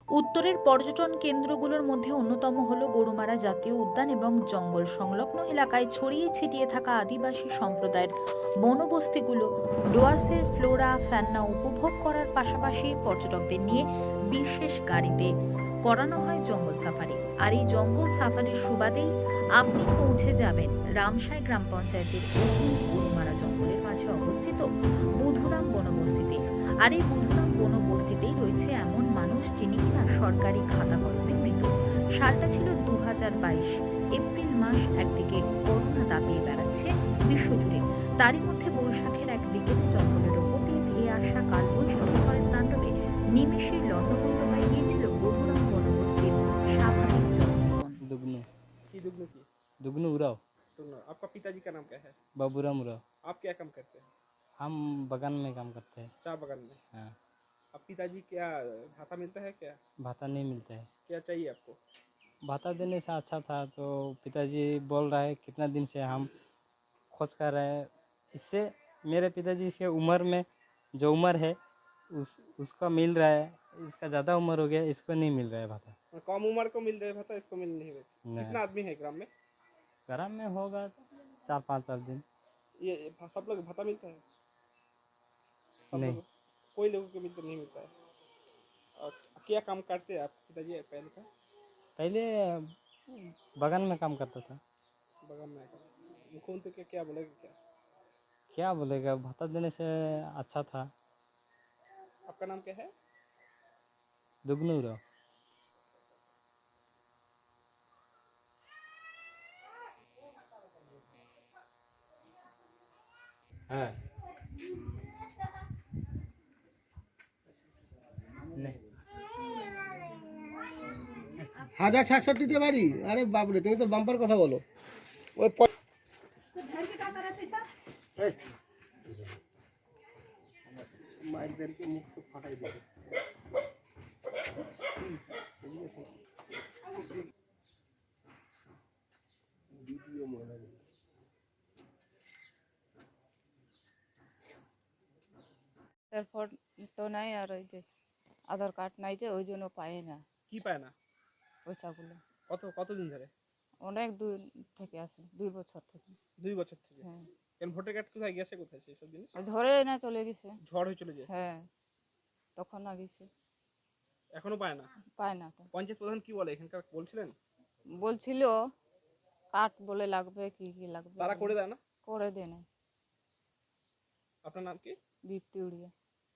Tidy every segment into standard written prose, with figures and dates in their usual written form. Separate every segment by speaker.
Speaker 1: উত্তরের পর্যটন কেন্দ্রগুলোর মধ্যে অন্যতম হল গরুমারা জাতীয় উদ্যান এবং জঙ্গল সংলগ্ন এলাকায় ছড়িয়ে ছিটিয়ে থাকা আদিবাসী সম্প্রদায়ের বনবস্তিগুলো। ডুয়ার্সের ফ্লোরা ফ্যানা উপভোগ করার পাশাপাশি পর্যটকদের নিয়ে বিশেষ গাড়িতে করানো হয় জঙ্গল সাফারি। আর এই জঙ্গল সাফারির সুবাদেই আপনি পৌঁছে যাবেন রামসাই গ্রাম পঞ্চায়েতের গরুমারা জঙ্গলের মাঝে অবস্থিত বুধুরাম বনবস্তিতে। আর এই বুধুরাম বনবস্তিতেই রয়েছে এমন মানুষ যিনি কিনা সরকারি খাতা কলমে মৃত। সালটা ছিল 2022 এপ্রিল মাস। একদিকে করোনা দাপিয়ে বেড়াচ্ছে বিশ্বজুড়ে, তারই মধ্যে বৈশাখের এক বিকেলে জঙ্গলের ওপর দিয়ে ধেয়ে আসা কালবৈশাখী ঝড়ের তাণ্ডবে নিমেষেই লণ্ডভণ্ড হয়ে গিয়েছিল বুধুরাম বনবস্তির স্বাভাবিক জনজীবন।
Speaker 2: दुगनू उराव।
Speaker 3: आपका पिताजी का नाम क्या है?
Speaker 2: बाबूराम उराव।
Speaker 3: आप क्या काम करते हैं?
Speaker 2: हम बगान में काम करते हैं।
Speaker 3: चाय बगान में।
Speaker 2: हाँ।
Speaker 3: अब पिताजी क्या भाता मिलता है क्या?
Speaker 2: भाता नहीं मिलता है।
Speaker 3: क्या चाहिए आपको?
Speaker 2: भाता देने से अच्छा था, तो पिताजी बोल रहा है कितना दिन से हम खोज कर रहे हैं। इससे मेरे पिताजी के उम्र में जो उम्र है उसका मिल रहा है, इसका ज़्यादा उम्र हो गया, इसको नहीं मिल रहा है भाता।
Speaker 3: कम उम्र को मिल रहा है भाता, इसको मिल नहीं रहा। कितना आदमी है ग्राम में?
Speaker 2: ग्राम में होगा 4-5 दिन।
Speaker 3: ये सब लोग भाता मिलता है?
Speaker 2: नहीं,
Speaker 3: कोई लोगों को मिलता नहीं मिलता है। और क्या काम करते हैं आप पिताजी पहले का?
Speaker 2: पहले बगान में काम करता था।
Speaker 3: बगान में मुख्यमंत्री के क्या बोलेगा?
Speaker 2: क्या बोलेगा, भाता देने से अच्छा था।
Speaker 3: आपका नाम क्या है?
Speaker 2: दुगनू उराव। हाँ।
Speaker 4: হাজার 67 দিতে পারি? আরে বাপরে, তুমি তো বাম্পার কথা বলো। ওই মাইকদেরকে মুখ সব ফাটাই দেবে। ভিডিও মনে নেই।
Speaker 5: তারপর তো নাই, আর ওই যে আধার কার্ড নাই, যে ওই জন্য পায় না
Speaker 3: কি পায় না
Speaker 5: পয়সাগুলো।
Speaker 3: কতদিন ধরে?
Speaker 5: অনেক দূর থেকে আসে, 2 বছর থেকে।
Speaker 3: 2 বছর থেকে?
Speaker 5: হ্যাঁ।
Speaker 3: কেন ভোটার কার্ড কোথায় গেছে, কোথায় সেসব জিনিস?
Speaker 5: ওই ধরে না চলে গেছে,
Speaker 3: ঝড় হয়ে চলে যায়।
Speaker 5: হ্যাঁ, তখন না গেছে,
Speaker 3: এখনো পায় না?
Speaker 5: পায় না তো।
Speaker 3: পঞ্চায়েত প্রধান কি বলে এখানকার, বলছিলেন?
Speaker 5: বলছিল কার্ড বলে লাগবে, কি কি লাগবে
Speaker 3: তারা করে দেয় না?
Speaker 5: করে দেয় না।
Speaker 3: আপনার নাম কি?
Speaker 5: দীপ্তি উড়িয়া।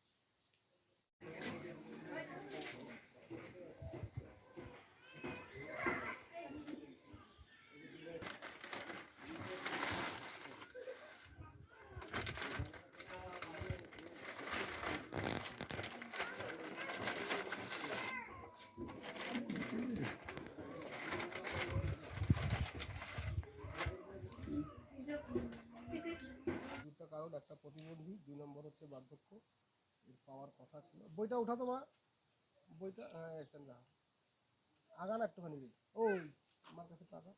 Speaker 4: কারণ একটা প্রতিবন্ধী, 2 নম্বর হচ্ছে বার্ধক্য, এর পাওয়ার কথা ছিল। বইটা উঠা তো মা, বইটা আগান একটুখানি দিই। ওই আমার কাছে টাকা।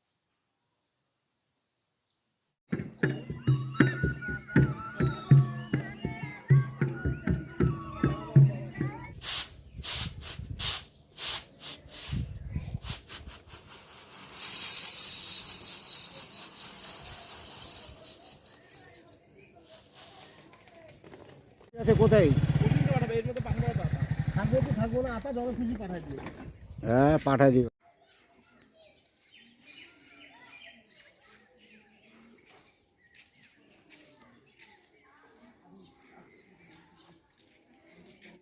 Speaker 4: আছে কোথায়? থাকবো তো থাকবো না, আপা যত খুশি পাঠাই দিও। হ্যাঁ, পাঠাই দিও।